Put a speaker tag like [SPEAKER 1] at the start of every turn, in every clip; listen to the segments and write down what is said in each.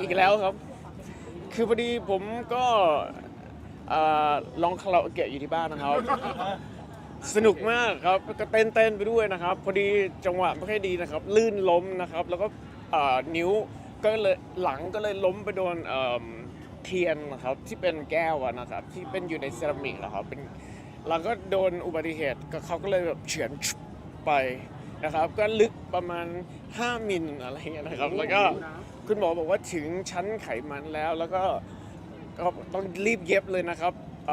[SPEAKER 1] อีกแล้วครับคือพอดีผมก็ลองคาราโอเกะอยู่ที่บ้านนะครับสนุกมากครับก็เต้นไปด้วยนะครับพอดีจังหวะไม่ค่อยดีนะครับลื่นล้มนะครับแล้วก็นิ้วก็เลยหลังก็เลยล้มไปโดนเทียนนะครับที่เป็นแก้วนะครับที่เป็นอยู่ในเซรามิกนะครับเป็นแล้วก็โดนอุบัติเหตุก็เขาก็เลยแบบเฉือนไปนะครับก็ลึกประมาณ5 มิลอะไรเงี้ยนะครับแล้วก็คุณหมอบอกว่าถึงชั้นไขมันแล้วก็ต้องรีบเย็บเลยนะครับ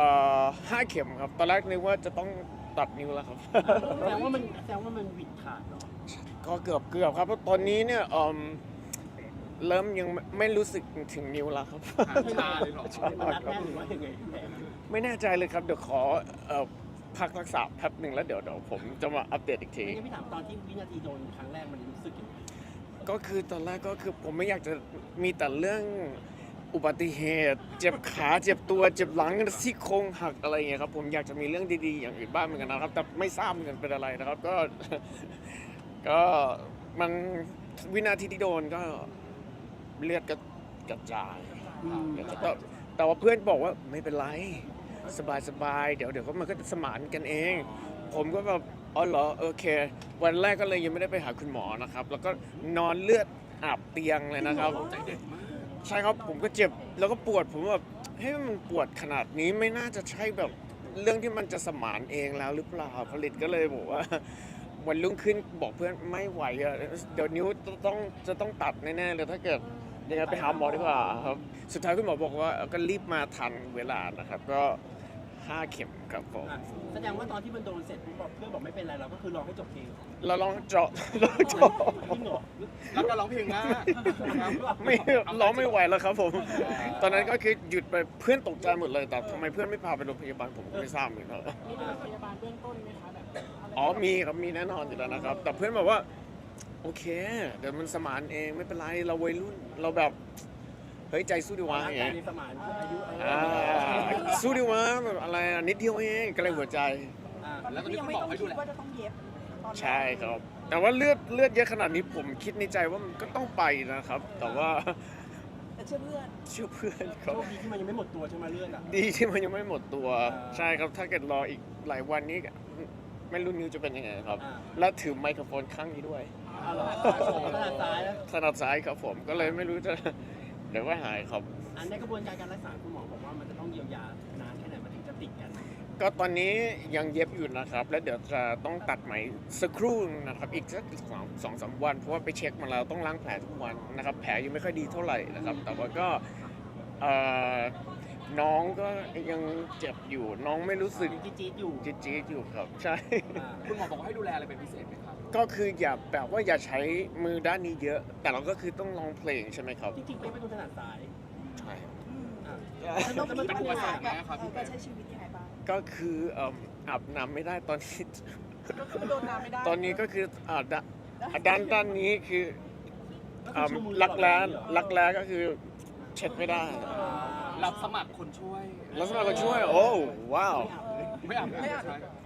[SPEAKER 1] 5 เข็มครับตอนแรกนึกว่าจะต้องตัดนิ้วแล้วครับ
[SPEAKER 2] แสดงว่ามันหวิดขาดเหรอ
[SPEAKER 1] ก็เกือบครับเพราะตอนนี้เนี่ยเริ่มยังไม่รู้สึกถึงนิ้วแล้วครับ
[SPEAKER 3] ชาเลยเหรอ
[SPEAKER 2] มันรัดแน่นหรือว่ายังไงแผลมัน
[SPEAKER 1] ไม่แน่ใจเลยครับเดี๋ยวขอพักรักษาแป๊บหนึ่งแล้วเดี๋ยวผมจะมาอัปเดตอีกที
[SPEAKER 2] ไม่งั้นพี่ถามตอนที่วินาทีโดนครั้งแรกมันรู้สึกยังไง
[SPEAKER 1] ก็คือตอนแรกก็คือผมไม่อยากจะมีแต่เรื่องอุบัติเหตุ เจ็บขาเจ็บตัวเจ็บหลังซี่โครงหักอะไรอย่างเงี้ยครับผมอยากจะมีเรื่องดีๆอย่างอื่นบ้างเหมือนกันนะครับแต่ไม่ทราบเหมือนกันเป็นอะไรนะครับก็มันวินาทีที่โดนก็เลือดกระจายแต่ว่าเพื่อนบอกว่าไม่เป็นไรสบายเดี๋ยวก็มันก็สมานกันเอง ผมก็แบบอ๋อเหรอโอเค วันแรกก็เลยยังไม่ได้ไปหาคุณหมอนะครับแล้วก็นอนเลือดอาบเตียงเลยนะครับใช่ครับผมก็เจ็บแล้วก็ปวดผมแบบเฮ้ยมันปวดขนาดนี้ไม่น่าจะใช่แบบเรื่องที่มันจะสมานเองแล้วหรือเปล่าผลิตก็เลยบอกว่าวันรุ่งขึ้นบอกเพื่อนไม่ไหวอะเดี๋ยวนิ้วจะต้องตัดแน่ๆเลยถ้าเกิดยังไงไปหาหมอดีกว่าครับสุดท้ายคุณหมอบอกว่าก็รีบมาทันเวลานะครับก็5 เข็มครับผม
[SPEAKER 2] แสดงว่าตอนที่มันโดนเสร็จปุ๊บเพื่อนบอกไม่เป็นไรเราก็คือรอให้จบเพลง
[SPEAKER 1] เราลองเจาะ
[SPEAKER 2] จริงเหรอ
[SPEAKER 3] แล้วก็ร้องเพลงนะ
[SPEAKER 1] ไม่ร้องไม่ไหวแล้วครับผม ตอนนั้นก็คือหยุดไปเพื่อนตกใจหมดเลยแต่ทำไมเพื่อนไม่พาไปโรงพยาบาลผมก็ไม่ทราบเหมือนกัน
[SPEAKER 4] มีโรงพยาบาลเบื้องต้นไหมคะแบบอะไร
[SPEAKER 1] อ๋อมีครับมีแน่นอนอยู่แล้วนะครับ แต่เพื่อนบอกว่าโอเคเดี๋ยวมันสมานเองไม่เป็นไรเราวัยรุ่นเราแบบเฮ้ยใจสู้ดีวะอย่าง
[SPEAKER 2] กา
[SPEAKER 1] เงี้
[SPEAKER 2] ร
[SPEAKER 1] ย
[SPEAKER 2] ในสมานอายุ
[SPEAKER 1] สู้ดีวะแบบอะไรนิดเดียวเองก็เลยหัวใจ
[SPEAKER 3] แล้วตอนนี้
[SPEAKER 4] ยั
[SPEAKER 3] คุ
[SPEAKER 4] ง
[SPEAKER 3] ณ
[SPEAKER 4] ไม่
[SPEAKER 3] หมอ
[SPEAKER 4] ต้อง
[SPEAKER 3] ให้
[SPEAKER 4] คิ
[SPEAKER 3] ดู
[SPEAKER 4] ด
[SPEAKER 3] แล
[SPEAKER 4] ว่าจะต้องเย็บตอนนั้น
[SPEAKER 1] ใช่ครับ แต่ว่าเลือดเยอะขนาดนี้ผมคิดในใจว่ามันก็ต้องไปนะครับ แต่ว่า
[SPEAKER 4] แต่เชื่อเพื่อน
[SPEAKER 1] เชื่อเพื่อนค
[SPEAKER 2] โช
[SPEAKER 1] รับ
[SPEAKER 2] คดีที่มันยังไม่หมดตัวใช่ไหมเลือดอ่ะ
[SPEAKER 1] ดีที่มันยังไม่หมดตัวใช่ครับถ้าเกิดรออีกหลายวันนี้ไม่รู้นิ้วจะเป็นยังไงครับ และถือไมโครโฟนข้างนี้ด้วย
[SPEAKER 2] เหรอขนาดซ้ายแล้ว
[SPEAKER 1] ถนัดซ้ายครับผมก็เลยไม่รู้จะเดี๋ยวก็หายครับ
[SPEAKER 2] อันในกระบวนการการรักษาคุณหมอบอกว่ามันจะต้องเยียวยานานแค่ไหนมันถึงจะติดกัน
[SPEAKER 1] ก็ตอนนี้ยังเย็บอยู่นะครับ แล้วเดี๋ยวจะต้องตัดไหมสักครู่นะครับอีกสัก2-3 วันเพราะว่าไปเช็คมาแล้วต้องล้างแผลทุกวันนะครับแผลยังไม่ค่อยดีเท่าไหร่นะครับแต่ว่าก็เอ่อน้องก็ยังเจ็บอยู่น้องไม่รู้สึก
[SPEAKER 2] จี๊ดอยู่
[SPEAKER 1] จี๊ดๆอยู่ครับใช่
[SPEAKER 3] คุณหมอบอกว่าให้ดูแลอะไรเป็นพิเศษไหมครับ
[SPEAKER 1] ก็คืออย่าแบบว่าอย่าใช้มือด้านนี้เยอะ แต่เราก็คือต้องร้องเพลงใช่ไหมครับ
[SPEAKER 2] จริงๆเป็นคนถนัดซ้าย
[SPEAKER 1] ใช่
[SPEAKER 4] มันต้องมีปัญ
[SPEAKER 3] อุปสร
[SPEAKER 4] หาร
[SPEAKER 3] คไหมครับพี่
[SPEAKER 4] การใช้ชีวิตยังไงบ้าง
[SPEAKER 1] ก็คืออาบน้ำไม่ได้ตอนนี้
[SPEAKER 4] ก็คือโดนน้ำไม่ได้
[SPEAKER 1] ตอนนี้ก็คือด้านนี้คือ
[SPEAKER 2] ชูมือ
[SPEAKER 1] รักแร้ก็คือเช็ดไม่ได้
[SPEAKER 3] รับสมัครคนช่วย
[SPEAKER 1] แล้วสมัครคนช่วย โอ้ว้าว
[SPEAKER 3] ไม่อาบน้ำใช่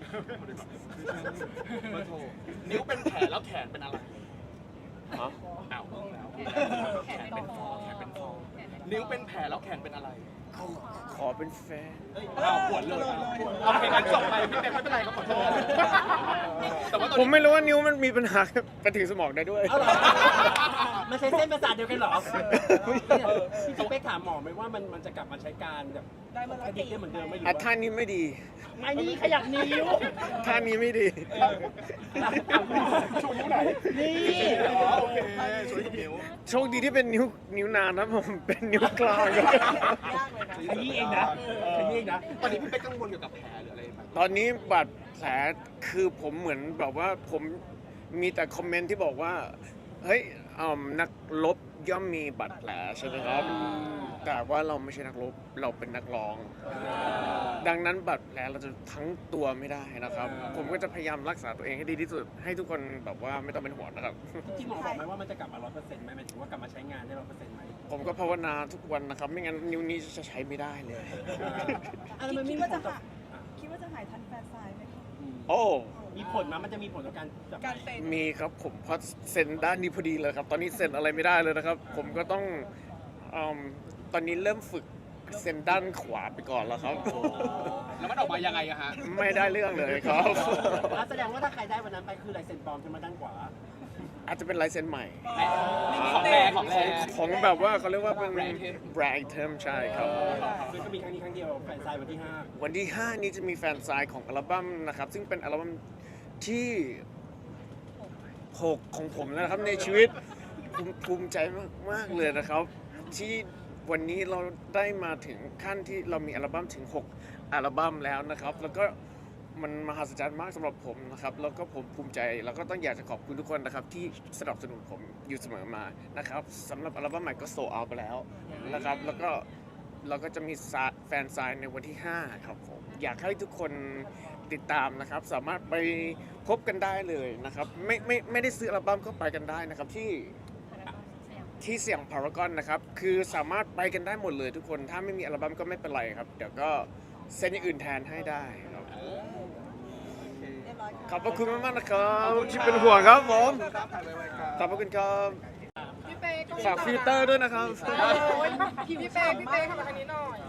[SPEAKER 3] มาโทรนิ้วเป็นแผลแล้วแขนเป็นอะไร
[SPEAKER 1] ฮะ
[SPEAKER 3] อ้าวแขนเป็นฟอนิ้วเป็นแผลแล้วแขนเป็นอะไร
[SPEAKER 1] ขอเป็นแฟน
[SPEAKER 3] อ้าวปวดเลยเอาเพลงนั้นจบไปพี่เป๊กไม่เป็นไรครับขอโทษแต่ว่าตอน
[SPEAKER 1] ผม
[SPEAKER 3] นี้
[SPEAKER 1] ไม่รู้ว่านิ้วมันมีปัญหาไปถึงสมองได้ด้วย
[SPEAKER 2] มันใช้เส้นประสาทเดียวกันเหรอพี่เป๊กถามหมอไหมว่ามันจะกลับมาใช้การแบบ
[SPEAKER 4] ได้เมื่อไห
[SPEAKER 2] ก
[SPEAKER 4] ร่
[SPEAKER 2] ระดิกได้เหมือนเดิมไหมหรือ
[SPEAKER 1] อ่ะ
[SPEAKER 2] ว่า
[SPEAKER 1] ท่านี้ไม่ดี
[SPEAKER 2] ไม่นี่ขยับนิ้ว
[SPEAKER 1] ท่านี้ไม่ดี
[SPEAKER 3] ชูนิ้วไหน
[SPEAKER 2] นี่
[SPEAKER 3] อ๋อโอเคชูนิ้ว
[SPEAKER 1] โชคดีที่เป็นนิ้วนางนะผมเป็นนิ้วกลาง
[SPEAKER 4] ยากเลยนะ
[SPEAKER 2] ขยี้เองนะขยี้เองนะ
[SPEAKER 3] ตอนนี้พี่เป๊กกังวลเกี่ยวกับแผลหรืออะไรไหม
[SPEAKER 1] ตอนนี้บาดแผลคือผมเหมือนแบบว่าผมมีแต่คอมเมนต์ที่บอกว่าเฮ้ยนักรบย่อมมีบาดแผลใช่ไหมครับ แต่ว่าเราไม่ใช่นักรบเราเป็นนักร้อง ดังนั้นบาดแผลเราจะทั้งตัวไม่ได้นะครับ ผมก็จะพยายามรักษาตัวเองให้ดีที่สุดให้ทุกคนแบบว่าไม่ต้องเป็นห่วงนะครับ
[SPEAKER 2] จริงๆหมอบอกไหมว่ามันจะกลับมา100%ไหมหมายถึงว่ากลับมาใช้งานได้100%ไหม
[SPEAKER 1] ผมก็ภาวนาทุกวันนะครับ ไม่งั้นนิ้วนี้จะใช้ไม่ได้เลย
[SPEAKER 2] แล้วมัน
[SPEAKER 4] คิ
[SPEAKER 2] ไม่
[SPEAKER 4] ด
[SPEAKER 2] มี
[SPEAKER 4] ว่า
[SPEAKER 2] ผ
[SPEAKER 4] จะ
[SPEAKER 2] ลต่อ
[SPEAKER 4] หายคิดว่าจะหายทันแฟนสายไหมคะ
[SPEAKER 1] โอ้
[SPEAKER 2] มีผลไหมมันจะมีผลต่อการจับ
[SPEAKER 4] การเซ็น
[SPEAKER 1] มีครับผมเพราะเซ็นด้านนี้พอดีเลยครับ ตอนนี้เซ็นอะไรไม่ได้เลยนะครับ ผมก็ต้องอืมตอนนี้เริ่มฝึกเส้นด้านขวาไปก่อนแล้วครับ
[SPEAKER 3] แล้วมันออกมายังไงอะฮะ
[SPEAKER 1] ไม่ได้เรื่องเลยครับ
[SPEAKER 2] แล้วแสดงว่าถ้าใครได้วันนั้นไปคือลายเซ็นปลอมจะมาด้านขวา
[SPEAKER 1] อาจจะเป็นลายเซ็นใหม่
[SPEAKER 3] ของแรงของแรง
[SPEAKER 1] ของแบบว่าเขาเรียกว่าเป็น แบรนด์เทมใช่ครับ
[SPEAKER 2] ซึ่งก็มีครั้งนี้ครั้งเดียวแฟนซายวันที่
[SPEAKER 1] วันที่ 5 นี้จะมีแฟนซายของอัลบั้มนะครับ ซึ่งเป็นอัลบั้มที่ 6 ของผมนะครับในชีวิตภูมิใจมากๆเลยนะครับ ที่วันนี้เราได้มาถึงขั้นที่เรามีอัลบั้มถึง 6 อัลบั้มแล้วนะครับ แล้วก็มันมหัศจรรย์มากสำหรับผมนะครับ แล้วก็ผมภูมิใจแล้วก็ต้องอยากจะขอบคุณทุกคนนะครับ ที่สนับสนุนผมอยู่เสมอมานะครับสำหรับอัลบั้มใหม่ก็โซเอาไปแล้วนะครับ แล้วก็เราก็จะมีแฟนซายในวันที่ 5 ครับผมอยากให้ทุกคนติดตามนะครับ สามารถไปพบกันได้เลยนะครับ ไม่ได้ซื้ออัลบั้มก็ไปกันได้นะครับที่เสียงพารากอนนะครับ คือสามารถไปกันได้หมดเลยทุกคนถ้าไม่มีอัลบั้มก็ไม่เป็นไรครับ เดี๋ยวก็เซ็นอย่างอื่นแทนให้ได้ครับ
[SPEAKER 4] เรียบร้อยค่ะ
[SPEAKER 1] ขอบพระคุณมากๆนะครับที่เป็นห่วงครับผมขอบพระคุณครับ
[SPEAKER 5] พี่เป้ก็
[SPEAKER 1] ฝากฟิลเตอร์ด้วยนะครับ
[SPEAKER 5] พี่เป้เข้ามาทางนี้หน่อย